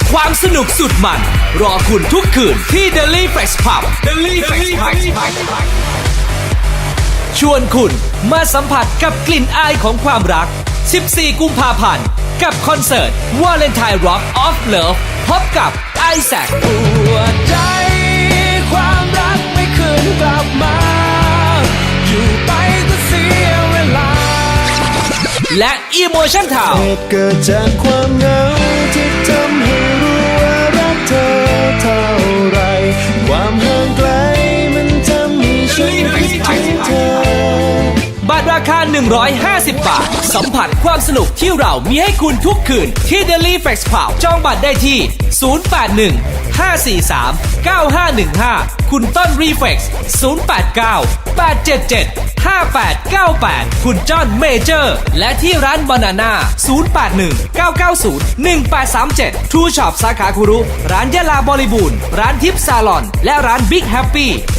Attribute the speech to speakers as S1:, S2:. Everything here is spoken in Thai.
S1: ความสนุกสุดมัน รอคุณทุกคืนที่ Daily Flex Pub ชวนคุณมาสัมผัสกับกลิ่นอายของความรัก 14 กุมภาพันธ์กับคอนเสิร์ต Valentine Rock of Love พบกับไอแซคปวดใจความรักไม่คืนกลับมา อยู่ไปก็เสียเวลา และ Emotion Town
S2: เหตุเกิดจากความเหงาที่ทำให้รู้ว่ารักเธอเท่าไร ความห่างไกลมันทำให้ฉันคิดถึงเธอ
S1: บัตรราคา 150 บาท สัมผัสความสนุกที่เรามีให้คุณทุกคืนที่ Daily Flex Pub จองบัตรได้ที่ 081-543-9515 คุณต้น Reflex 089-877-5898 คุณจอห์นเมเจอร์ และที่ร้านบานาน่า 081-990-1837 True Shop สาขาคุรุ ร้านยะลาบริบูรณ์ ร้านทิพย์ซาลอน และร้าน Big Happy